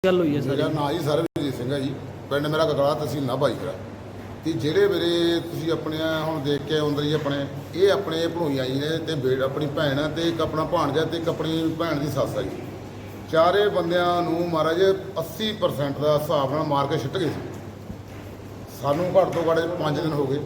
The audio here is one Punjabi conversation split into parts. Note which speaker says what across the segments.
Speaker 1: ਗੱਲ ਹੋਈ ਹੈ ਸਰ?
Speaker 2: ਮੇਰਾ ਨਾਂ ਜੀ ਸਰਬਜੀਤ ਸਿੰਘ ਹੈ ਜੀ, ਪਿੰਡ ਮੇਰਾ ਗਗੜਾ, ਤਹਿਸੀਲ ਨਾਭਾ ਜੀ। ਤੇ ਜਿਹੜੇ ਮੇਰੇ ਤੁਸੀਂ ਆਪਣੇ ਹੁਣ ਦੇਖ ਕੇ ਆਉਂਦੇ ਜੀ ਆਪਣੇ, ਇਹ ਆਪਣੇ ਭਣੋਈਆਂ ਜੀ ਨੇ ਤੇ ਆਪਣੀ ਭੈਣ ਹੈ ਤੇ ਇੱਕ ਆਪਣਾ ਭਾਣਜਾ ਤੇ ਇੱਕ ਆਪਣੀ ਭੈਣ ਦੀ ਸੱਸ ਹੈ ਜੀ। ਚਾਰੇ ਬੰਦਿਆਂ ਨੂੰ ਮਹਾਰਾਜ 80% ਦਾ ਹਿਸਾਬ ਨਾਲ ਮਾਰ ਕੇ ਛਿੱਟ ਗਏ ਸੀ। ਸਾਨੂੰ ਘੱਟ ਤੋਂ ਘੱਟ 5 ਦਿਨ ਹੋ ਗਏ।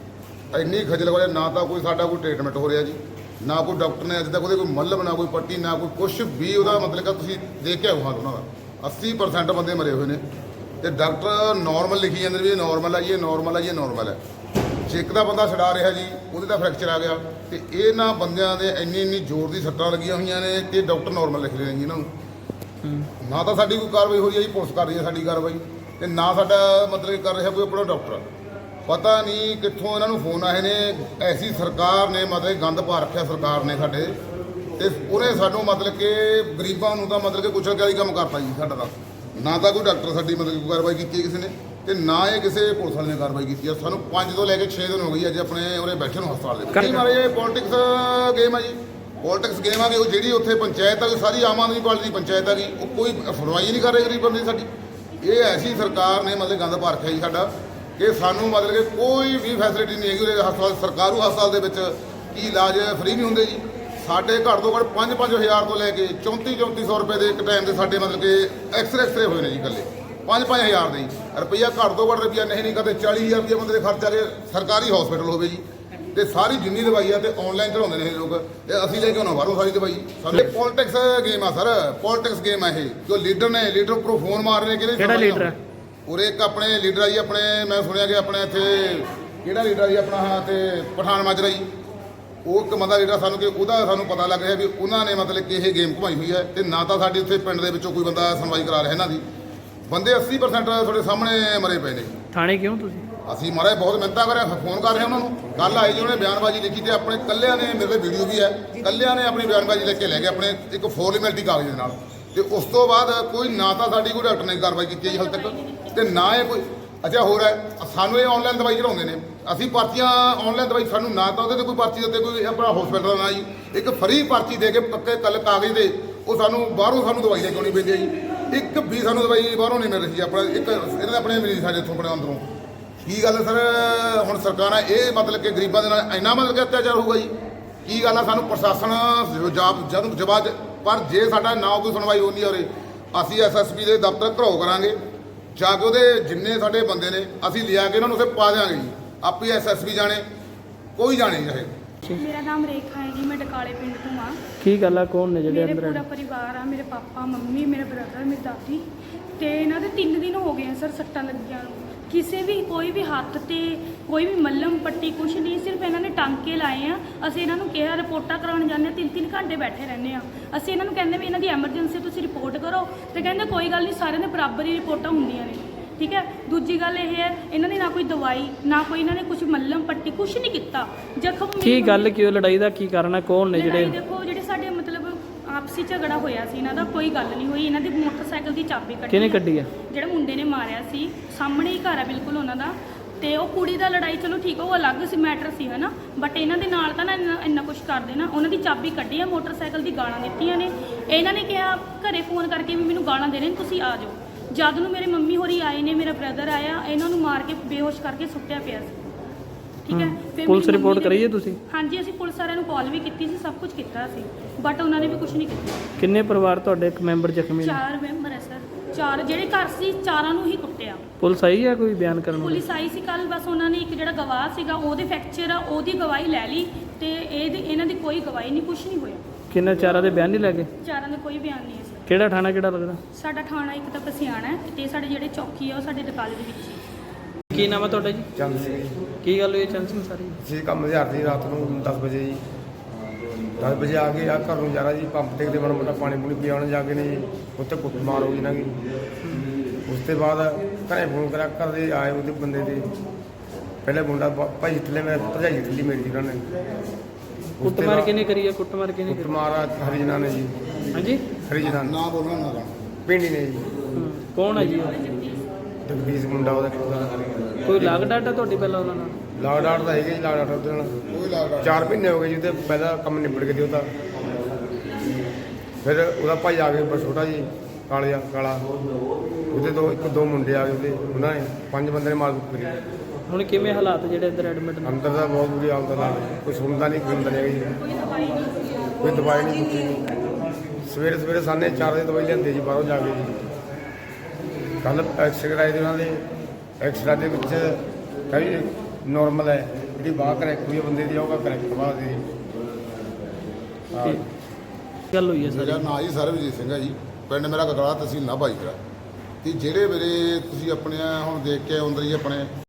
Speaker 2: ਇੰਨੀ ਖੱਜਲ ਖੁਆਰੀ, ਨਾ ਤਾਂ ਕੋਈ ਸਾਡਾ ਕੋਈ ਟ੍ਰੀਟਮੈਂਟ ਹੋ ਰਿਹਾ ਜੀ, ਨਾ ਕੋਈ ਡਾਕਟਰ ਨੇ ਅਜੇ ਤੱਕ ਉਹਦੇ ਕੋਈ ਮੱਲਮ, ਨਾ ਕੋਈ ਪੱਟੀ, ਨਾ ਕੋਈ ਕੁਛ ਵੀ ਉਹਦਾ ਮਤਲਬ ਕਿ ਤੁਸੀਂ ਦੇਖ ਕੇ ਆਓ ਹਾਂ ਉਹਨਾਂ ਦਾ 80% ਬੰਦੇ ਮਰੇ ਹੋਏ ਨੇ। ਤੇ ਡਾਕਟਰ ਨਾਰਮਲ ਲਿਖੀ ਜਾਂਦੇ ਵੀ ਇਹ ਨਾਰਮਲ ਹੈ ਜੀ, ਇਹ ਨਾਰਮਲ ਹੈ ਜੀ, ਇਹ ਨਾਰਮਲ ਹੈ। ਜੇ ਇੱਕ ਦਾ ਬੰਦਾ ਛਡਾ ਰਿਹਾ ਜੀ, ਉਹਦੇ ਦਾ ਫ੍ਰੈਕਚਰ ਆ ਗਿਆ। ਤੇ ਇਹਨਾਂ ਬੰਦਿਆਂ ਦੇ ਇੰਨੀ ਜ਼ੋਰ ਦੀ ਸੱਟਾਂ ਲੱਗੀਆਂ ਹੋਈਆਂ ਨੇ ਤੇ ਡਾਕਟਰ ਨਾਰਮਲ ਲਿਖ ਰਹੇ ਨੇ ਜੀ ਇਹਨਾਂ ਨੂੰ। ਨਾ ਤਾਂ ਸਾਡੀ ਕੋਈ ਕਾਰਵਾਈ ਹੋ ਰਹੀ ਹੈ ਜੀ, ਪੁਲਿਸ ਕਰ ਰਹੀ ਹੈ ਸਾਡੀ ਕਾਰਵਾਈ, ਤੇ ਨਾ ਸਾਡਾ ਮਤਲਬ ਕਰ ਰਿਹਾ ਕੋਈ ਆਪਣਾ ਡਾਕਟਰ। ਪਤਾ ਨਹੀਂ ਕਿੱਥੋਂ ਇਹਨਾਂ ਨੂੰ ਫੋਨ ਆਏ ਨੇ। ਐਸੀ ਸਰਕਾਰ ਨੇ ਮਤਲਬ ਗੰਦ ਪਾ ਰੱਖਿਆ ਸਰਕਾਰ ਨੇ ਸਾਡੇ, ਤੇ ਉਹਨੇ ਸਾਨੂੰ ਮਤਲਬ ਕਿ ਗਰੀਬਾਂ ਨੂੰ ਤਾਂ ਮਤਲਬ ਕਿ ਕੁਛ ਵਾਲੀ ਕੰਮ ਕਰਤਾ ਜੀ ਸਾਡਾ। ਤਾਂ ਨਾ ਤਾਂ ਕੋਈ ਡਾਕਟਰ ਸਾਡੀ ਮਤਲਬ ਕੋਈ ਕਾਰਵਾਈ ਕੀਤੀ ਕਿਸੇ ਨੇ, ਤੇ ਨਾ ਇਹ ਕਿਸੇ ਪੁਲਿਸ ਵਾਲੇ ਨੇ ਕਾਰਵਾਈ ਕੀਤੀ ਹੈ। ਸਾਨੂੰ 5 ਤੋਂ ਲੈ ਕੇ 6 ਦਿਨ ਹੋ ਗਈ ਅੱਜ ਆਪਣੇ ਉਰੇ ਬੈਠੇ ਨੂੰ ਹਸਪਤਾਲ ਦੇ ਵਿੱਚ। ਕਈ ਮਾਰੇ ਇਹ ਪੋਲਿਟਿਕਸ ਗੇਮ ਆ ਜੀ, ਪੋਲਿਟਿਕਸ ਗੇਮ ਆ ਕਿ ਉਹ ਜਿਹੜੀ ਉੱਥੇ ਪੰਚਾਇਤ ਆ, ਸਾਰੀ ਆਮ ਆਦਮੀ ਪਾਰਟੀ ਦੀ ਪੰਚਾਇਤ ਆ ਗਈ, ਉਹ ਕੋਈ ਸੁਣਵਾਈ ਨਹੀਂ ਕਰ ਰਹੀ ਗਰੀਬ ਬੰਦੇ ਸਾਡੀ। ਇਹ ਐਸੀ ਸਰਕਾਰ ਨੇ ਮਤਲਬ ਗੰਦ ਪਾ ਰੱਖਿਆ ਜੀ ਸਾਡਾ ਕਿ ਸਾਨੂੰ ਮਤਲਬ ਕਿ ਕੋਈ ਵੀ ਫੈਸਿਲਿਟੀ ਨਹੀਂ ਹੈਗੀ ਉਰੇ ਹਸਪਤਾਲ, ਸਰਕਾਰੂ ਹਸਪਤਾਲ ਦੇ ਵਿੱਚ ਕੀ ਇਲਾਜ ਫ੍ਰੀ ਨਹੀਂ ਹੁੰਦੇ ਜੀ। ਸਾਡੇ ਘੱਟ ਤੋਂ ਘੱਟ 5-5 ਹਜ਼ਾਰ ਤੋਂ ਲੈ ਕੇ 3400 ਰੁਪਏ ਦੇ ਇੱਕ ਟਾਈਮ ਦੇ ਸਾਡੇ ਮਤਲਬ ਕਿ ਐਕਸਰੇ ਹੋਏ ਨੇ ਜੀ ਇਕੱਲੇ 5-5 ਹਜ਼ਾਰ ਦੇ ਜੀ। ਰੁਪਈਆ ਘੱਟ ਤੋਂ ਘੱਟ ਰੁਪਈਆ ਨਹੀਂ ਕਦੇ 40,000 ਰੁਪਈਆ ਬੰਦੇ ਦੇ ਖਰਚਾ ਕੇ ਸਰਕਾਰੀ ਹਸਪੀਟਲ ਹੋਵੇ ਜੀ। ਤੇ ਸਾਰੀ ਜਿੰਨੀ ਦਵਾਈ ਆ ਤੇ ਆਨਲਾਈਨ ਚੜਾਉਂਦੇ ਨੇ ਇਹ ਲੋਕ, ਤੇ ਅਸੀਂ ਲੈ ਕੇ ਆਉਣਾ ਬਾਹਰੋਂ ਸਾਰੀ ਦਵਾਈ। ਸਾਡੇ ਪੋਲਿਟਿਕਸ ਗੇਮ ਆ ਸਰ, ਪੋਲਿਟਿਕਸ ਗੇਮ ਆ ਇਹ। ਜੋ ਲੀਡਰ ਨੇ, ਲੀਡਰ ਉੱਪਰੋਂ ਫੋਨ ਮਾਰ ਰਹੇ ਨੇ।
Speaker 1: ਕਿਹੜਾ ਲੀਡਰ ਹੈ
Speaker 2: ਉਰੇ? ਇੱਕ ਆਪਣੇ ਲੀਡਰ ਆ ਜੀ ਆਪਣੇ, ਮੈਂ ਸੁਣਿਆ ਕਿ ਆਪਣੇ ਇੱਥੇ ਕਿਹੜਾ ਲੀਡਰ ਆ ਜੀ ਆਪਣਾ, ਹਾਂ ਤੇ ਪਠਾਨ ਮਾਜਰਾ ਜੀ। ਉਹ ਇੱਕ ਬੰਦਾ ਲੀਡਰ ਸਾਨੂੰ ਕਿ ਉਹਦਾ ਸਾਨੂੰ ਪਤਾ ਲੱਗ ਰਿਹਾ ਵੀ ਉਹਨਾਂ ਨੇ ਮਤਲਬ ਕਿ ਇਹ ਗੇਮ ਘੁਮਾਈ ਹੋਈ ਹੈ। ਤੇ ਨਾ ਤਾਂ ਸਾਡੇ ਉੱਥੇ ਪਿੰਡ ਦੇ ਵਿੱਚੋਂ ਕੋਈ ਬੰਦਾ ਸੁਣਵਾਈ ਕਰਾ ਰਿਹਾ ਇਹਨਾਂ ਦੀ। ਬੰਦੇ 80% ਤੁਹਾਡੇ ਸਾਹਮਣੇ ਮਰੇ ਪਏ ਨੇ।
Speaker 1: ਥਾਣੇ ਕਿਉਂ ਤੁਸੀਂ?
Speaker 2: ਅਸੀਂ ਮਾਰੇ ਬਹੁਤ ਮਿਹਨਤਾਂ ਕਰ ਰਹੇ, ਫੋਨ ਕਰ ਰਹੇ ਉਹਨਾਂ ਨੂੰ। ਕੱਲ੍ਹ ਆਏ ਜੀ, ਉਹਨੇ ਬਿਆਨਬਾਜ਼ੀ ਲਿਖੀ ਤੇ ਆਪਣੇ ਕੱਲਿਆਂ ਨੇ, ਮੇਰੇ ਵੀਡੀਓ ਵੀ ਹੈ, ਕੱਲਿਆਂ ਨੇ ਆਪਣੀ ਬਿਆਨਬਾਜ਼ੀ ਲਿਖ ਕੇ ਲੈ ਗਏ ਆਪਣੇ ਇੱਕ ਫੋਰਮੈਲਿਟੀ ਕਾਗਜ਼ ਦੇ ਨਾਲ। ਤੇ ਉਸ ਤੋਂ ਬਾਅਦ ਕੋਈ ਨਾ ਤਾਂ ਸਾਡੀ ਕੋਈ ਡਾਕਟਰ ਨੇ ਕਾਰਵਾਈ ਕੀਤੀ ਜੀ ਹਾਲੇ ਤੱਕ, ਤੇ ਨਾ ਇਹ ਕੋਈ। ਅੱਛਾ ਹੋਰ ਹੈ, ਸਾਨੂੰ ਇਹ ਆਨਲਾਈਨ ਦਵਾਈ ਚੜਾਉਂਦੇ ਨੇ। ਅਸੀਂ ਪਰਚੀਆਂ ਆਨਲਾਈਨ ਦਵਾਈ, ਸਾਨੂੰ ਨਾ ਤਾਂ ਉਹਦੇ 'ਤੇ ਕੋਈ ਪਰਚੀ ਦਿੱਤੇ, ਕੋਈ ਆਪਣਾ ਹਸਪੀਟਲ ਦਾ ਨਾ ਜੀ। ਇੱਕ ਫਰੀ ਪਰਚੀ ਦੇ ਕੇ ਪੱਕੇ ਕੱਲ ਕਾਗਜ਼ ਦੇ, ਉਹ ਸਾਨੂੰ ਬਾਹਰੋਂ ਸਾਨੂੰ ਦਵਾਈ ਲੈ ਕੇ ਆਉਣੀ ਪੈਂਦੀ ਹੈ ਜੀ। ਇੱਕ ਵੀ ਸਾਨੂੰ ਦਵਾਈ ਬਾਹਰੋਂ ਨਹੀਂ ਮਿਲ ਰਹੀ ਜੀ। ਆਪਣਾ ਇੱਕ ਇਹਨਾਂ ਦੇ ਆਪਣੇ ਮਰੀਜ਼ ਸਾਡੇ ਇੱਥੋਂ ਆਪਣੇ ਅੰਦਰੋਂ। ਕੀ ਗੱਲ ਸਰ, ਹੁਣ ਸਰਕਾਰਾਂ ਇਹ ਮਤਲਬ ਕਿ ਗਰੀਬਾਂ ਦੇ ਨਾਲ ਇੰਨਾ ਮਤਲਬ ਕਿ ਅਤਿਆਚਾਰ ਹੋਊਗਾ ਜੀ? ਕੀ ਗੱਲ ਆ? ਸਾਨੂੰ ਪ੍ਰਸ਼ਾਸਨ ਜਵਾਬ, ਪਰ ਜੇ ਸਾਡਾ ਨਾ ਕੋਈ ਸੁਣਵਾਈ ਹੋਣੀ ਔਰ ਅਸੀਂ ਐਸਐਸਪੀ ਦੇ ਦਫ਼ਤਰ ਘਰੋ ਕਰਾਂਗੇ ਜਾ ਕੇ। ਉਹਦੇ ਜਿੰਨੇ ਸਾਡੇ ਬੰਦੇ ਨੇ ਅਸੀਂ ਲਿਆ ਕੇ ਇਹਨਾਂ ਨੂੰ ਉੱਥੇ ਪਾ ਦਿਆਂਗੇ ਜੀ। ਆਪੇ ਐਸਐਸਪੀ ਜਾਣੇ, ਕੋਈ ਜਾਣੇ ਚਾਹੇ।
Speaker 3: ਮੇਰਾ ਨਾਮ ਰੇਖਾ ਹੈ ਜੀ, ਮੈਂ ਡਕਾਲੇ ਪਿੰਡ ਤੋਂ ਆ।
Speaker 1: ਕੀ ਗੱਲ ਆ, ਕੌਣ ਨੇ ਜਿਹੜੇ
Speaker 3: ਮੇਰੇ
Speaker 1: ਅੰਦਰ?
Speaker 3: ਪੂਰਾ ਪਰਿਵਾਰ ਆ, ਮੇਰੇ ਪਾਪਾ, ਮੰਮੀ, ਮੇਰੇ ਬ੍ਰਦਰ, ਮੇਰੀ ਦਾਦੀ। ਤੇ ਇਹਨਾਂ ਦੇ 3 ਦਿਨ ਹੋ ਗਏ ਆ ਸਰ ਸੱਟਾਂ ਲੱਗੀਆਂ ਨੂੰ। ਕਿਸੇ ਵੀ ਕੋਈ ਵੀ ਹੱਥ ਤੇ ਕੋਈ ਵੀ ਮੱਲਮ ਪੱਟੀ ਕੁਛ ਨਹੀਂ, ਸਿਰਫ ਇਹਨਾਂ ਨੇ ਟਾਂਕੇ ਲਾਏ ਆ। ਅਸੀਂ ਇਹਨਾਂ ਨੂੰ ਕਿਹਾ ਰਿਪੋਰਟਾਂ ਕਰਾਉਣ ਜਾਂਦੇ ਆ, 3-3 ਘੰਟੇ ਬੈਠੇ ਰਹਿੰਦੇ ਆ। ਅਸੀਂ ਇਹਨਾਂ ਨੂੰ ਕਹਿੰਦੇ ਵੀ ਇਹਨਾਂ ਦੀ ਐਮਰਜੈਂਸੀ ਤੁਸੀਂ ਰਿਪੋਰਟ ਕਰੋ, ਤੇ ਕਹਿੰਦੇ ਕੋਈ ਗੱਲ ਨਹੀਂ, ਸਾਰਿਆਂ ਦੇ ਬਰਾਬਰ ਹੀ ਰਿਪੋਰਟਾਂ ਹੁੰਦੀਆਂ ਨੇ। ਠੀਕ ਹੈ। ਦੂਜੀ ਗੱਲ ਇਹ ਹੈ, ਇਹਨਾਂ ਦੀ ਨਾ ਕੋਈ ਦਵਾਈ, ਨਾ ਕੋਈ ਇਹਨਾਂ ਨੇ ਕੁਝ ਮੱਲਮ ਪੱਟੀ, ਕੁਛ ਨਹੀਂ ਕੀਤਾ। ਜ਼ਖਮ
Speaker 1: ਕੀ ਗੱਲ, ਕਿਉਂ ਲੜਾਈ ਦਾ ਕੀ ਕਾਰਨ ਹੈ? ਕੌਣ ਨੇ ਜਿਹੜੇ?
Speaker 3: ਦੇਖੋ, ਜਿਹੜੇ ਸਾਡੇ ਮਤਲਬ ਆਪਸੀ ਝਗੜਾ ਹੋਇਆ ਸੀ, ਇਹਨਾਂ ਦਾ ਕੋਈ ਗੱਲ ਨਹੀਂ ਹੋਈ। ਇਹਨਾਂ ਦੀ ਮੋਟਰਸਾਈਕਲ ਦੀ ਚਾਬੀ ਕੱਢੀ।
Speaker 1: ਕਿਹਨੇ ਕੱਢੀ ਆ?
Speaker 3: ਜਿਹੜਾ ਮੁੰਡੇ ਨੇ ਮਾਰਿਆ ਸੀ, ਸਾਹਮਣੇ ਹੀ ਘਰ ਆ ਬਿਲਕੁਲ ਉਹਨਾਂ ਦਾ। ਤੇ ਉਹ ਕੁੜੀ ਦਾ ਲੜਾਈ ਚਲੋ ਠੀਕ, ਉਹ ਅਲੱਗ ਸੀ ਮੈਟਰ ਸੀ ਹੈ ਨਾ, ਬਟ ਇਹਨਾਂ ਦੇ ਨਾਲ ਤਾਂ ਨਾ ਇੰਨਾ ਕੁਛ ਕਰਦੇ ਨਾ। ਉਹਨਾਂ ਦੀ ਚਾਬੀ ਕੱਢੀ ਆ, ਮੋਟਰਸਾਈਕਲ ਦੀ ਗਾਲਾਂ ਦਿੱਤੀਆਂ ਨੇ। ਇਹਨਾਂ ਨੇ ਕਿਹਾ ਘਰੇ ਫੋਨ ਕਰਕੇ ਵੀ ਮੈਨੂੰ ਗਾਲਾਂ ਦੇ ਰਹੇ ਨੇ, ਤੁਸੀਂ ਆ ਜਾਓ। ਜਦ ਨੂੰ ਮੇਰੇ ਮੰਮੀ ਹੋਰੀ ਆਏ ਨੇ, ਮੇਰਾ ਬ੍ਰਦਰ ਆਇਆ, ਇਹਨਾਂ ਨੂੰ ਮਾਰ ਕੇ ਬੇਹੋਸ਼ ਕਰਕੇ ਸੁੱਟਿਆ ਪਿਆ ਸੀ। ਠੀਕ ਹੈ। ਫਿਰ
Speaker 1: ਪੁਲਿਸ ਰਿਪੋਰਟ ਕਰੀ ਹੈ ਤੁਸੀਂ?
Speaker 3: ਹਾਂਜੀ, ਅਸੀਂ ਪੁਲਿਸ ਵਾਲਿਆਂ ਨੂੰ ਕਾਲ ਵੀ ਕੀਤੀ ਸੀ, ਸਭ ਕੁਝ ਕੀਤਾ ਸੀ, ਬਟ ਉਹਨਾਂ ਨੇ ਵੀ ਕੁਝ ਨਹੀਂ ਕੀਤਾ।
Speaker 1: ਕਿੰਨੇ ਪਰਿਵਾਰ ਤੁਹਾਡੇ? ਇੱਕ ਮੈਂਬਰ ਜ਼ਖਮੀ ਨੇ?
Speaker 3: 4 ਮੈਂਬਰ ਹੈ ਸਰ। 4 ਜਿਹੜੇ ਘਰ ਸੀ, 4 ਨੂੰ ਹੀ ਕੁੱਟਿਆ।
Speaker 1: ਪੁਲਿਸ ਆਈ ਹੈ ਕੋਈ ਬਿਆਨ ਕਰਨ ਵਾਲੀ?
Speaker 3: ਪੁਲਿਸ ਆਈ ਸੀ ਕੱਲ, ਬਸ ਉਹਨਾਂ ਨੇ ਇੱਕ ਜਿਹੜਾ ਗਵਾਹ ਸੀਗਾ ਉਹਦੇ ਫ੍ਰੈਕਚਰ ਆ, ਉਹਦੀ ਗਵਾਹੀ ਲੈ ਲਈ। ਤੇ ਇਹਨਾਂ ਦੀ ਕੋਈ ਗਵਾਹੀ ਨਹੀਂ, ਕੁਝ ਨਹੀਂ ਹੋਇਆ।
Speaker 1: ਕਿੰਨੇ 4 ਦੇ ਬਿਆਨ ਨਹੀਂ ਲੱਗੇ?
Speaker 3: 4 ਦਾ ਕੋਈ ਬਿਆਨ ਨਹੀਂ ਹੈ ਸਰ।
Speaker 1: ਕਿਹੜਾ ਥਾਣਾ ਕਿਹੜਾ ਲੱਗਦਾ?
Speaker 3: ਸਾਡਾ ਥਾਣਾ ਇੱਕ ਤਾਂ ਪਸਿਆਣਾ ਹੈ, ਤੇ ਸਾਡੇ ਜਿਹੜੇ ਚੌਕੀ ਆ ਉਹ ਸਾਡੇ ਡਕਾਲੇ ਦੇ ਵਿੱਚ ਹੀ।
Speaker 1: ਕੀ ਨਾਮ ਹੈ ਤੁਹਾਡਾ ਜੀ?
Speaker 4: ਚੰਦ ਸਿੰਘ ਜੀ।
Speaker 1: ਕੀ ਗੱਲ ਹੋਈ ਚੰਦ ਸਿੰਘ ਸਾਰੀ?
Speaker 4: ਜੀ ਕੰਮ ਹਜ਼ਾਰ ਦੀ ਰਾਤ ਨੂੰ 10 ਵਜੇ ਜੀ, 10 ਵਜੇ ਆ ਕੇ ਆ ਘਰ ਨੂੰ ਜਾਣਾ ਜੀ, ਪੰਪ ਤੇ ਮਾੜਾ ਮੋਟਾ ਪਾਣੀ ਪੂਣੀ ਪਿਆਉਣ ਜਾ ਕੇ ਨੇ ਜੀ, ਉੱਥੇ ਕੁੱਟਮਾਰ ਹੋ ਗਈ ਨਾ ਜੀ। ਉਸ ਤੋਂ ਬਾਅਦ ਘਰੇ ਫੋਨ ਕਰਿਆ, ਘਰ ਦੇ ਆਏ ਉਹਦੇ ਬੰਦੇ ਦੇ। ਪਹਿਲੇ ਮੁੰਡਾ ਭਾਈ ਥੱਲੇ, ਮੈਂ ਭਰਜਾਈ ਥੱਲੀ ਮੇਰੀ ਜੀ ਉਹਨਾਂ ਨੇ।
Speaker 1: ਕੁੱਟਮਾਰ ਕਿਹਨੇ ਕਰੀ ਹੈ? ਕੁੱਟਮਾਰ ਕਿਹਨੇ ਕਰੀ?
Speaker 4: ਕੁੱਟਮਾਰ ਹਰੀਜਨਾ ਨੇ ਜੀ।
Speaker 1: ਹਾਂਜੀ,
Speaker 4: ਹਰੀਜਨਾ
Speaker 2: ਨਾ ਬੋਲਣਾ ਨਾ
Speaker 4: ਪਿੰਡੀ ਨੇ ਜੀ।
Speaker 1: ਕੌਣ ਹੈ ਜੀ ਉਹ?
Speaker 4: ਜਗਦੀਸ਼ ਮੁੰਡਾ ਉਹਦਾ।
Speaker 1: ਕੋਈ ਲਾਗ ਡਾਟਾ ਤੁਹਾਡੀ ਪਹਿਲਾਂ ਉਹਨਾਂ ਨਾਲ?
Speaker 4: ਲਾਗ ਡਾਟ ਦਾ ਹੈਗਾ ਜੀ, ਲਾਗ ਡਾਟ ਉਹਦੇ ਨਾਲ
Speaker 2: ਕੋਈ ਲੱਗਦਾ
Speaker 4: 4 ਮਹੀਨੇ ਹੋ ਗਏ ਜੀ। ਉਹਦੇ ਪਹਿਲਾਂ ਕੰਮ ਨਿਬੜ ਕੇ ਦਿਓ ਤਾਂ ਫਿਰ ਉਹਦਾ ਭਾਈ ਆ ਕੇ ਛੋਟਾ ਜੀ, ਕਾਲਾ ਉਹਦੇ ਦੋ ਮੁੰਡੇ ਆ ਗਏ ਉਹਦੇ, ਉਹਨਾਂ ਨੇ 5 ਬੰਦੇ ਨੇ ਮਾਰ ਕੁੱਟ ਕਰੀ।
Speaker 1: ਹੁਣ ਕਿਵੇਂ ਹਾਲਾਤ ਜਿਹੜੇ ਇੱਧਰ ਐਡਮਿਟ ਨੇ?
Speaker 4: ਅੰਦਰ ਦਾ ਬਹੁਤ ਬੁਰੀ ਹਾਲਤ ਨਾਲ ਕੋਈ ਸੁਣਦਾ ਨਹੀਂ, ਕੋਈ ਹੁੰਦਾ ਨਹੀਂ ਹੈਗਾ ਜੀ, ਕੋਈ ਦਵਾਈ ਨਹੀਂ ਦਿੱਤੀ ਨਹੀਂ। ਸਵੇਰੇ ਸਾਨੇ 4 ਵਜੇ ਦਵਾਈ ਲਿਆਂਦੇ ਜੀ ਬਾਹਰੋਂ ਜਾ ਕੇ ਜੀ। ਕੱਲ ਐਕਸਰੇ ਆਏ ਦੇ ਉਹਨਾਂ ਦੇ, ਐਕਸਰਾ ਦੇ ਵਿੱਚ ਕਈ ਨੋਰਮਲ ਹੈ, ਜਿਹੜੀ ਬਾਹ ਕਰੈਕਟ ਹੋਈ ਹੈ ਬੰਦੇ ਦੀ, ਉਹ ਕਰੈਕਟ ਬਾਹ ਦੀ। ਹਾਂ,
Speaker 1: ਕੀ ਗੱਲ ਹੋਈ ਹੈ
Speaker 2: ਮੇਰਾ
Speaker 1: ਸਰ?
Speaker 2: ਨਾਂ ਜੀ ਸਰਬਜੀਤ ਸਿੰਘ ਹੈ ਜੀ, ਪਿੰਡ ਮੇਰਾ ਕਕੜਾ, ਤਹਿਸੀਲ ਨਾਭਾ ਜੀ ਮੇਰਾ। ਤੇ ਜਿਹੜੇ ਮੇਰੇ ਤੁਸੀਂ ਆਪਣੇ ਹੁਣ ਦੇਖ ਕੇ ਆਉਂਦੇ ਜੀ ਆਪਣੇ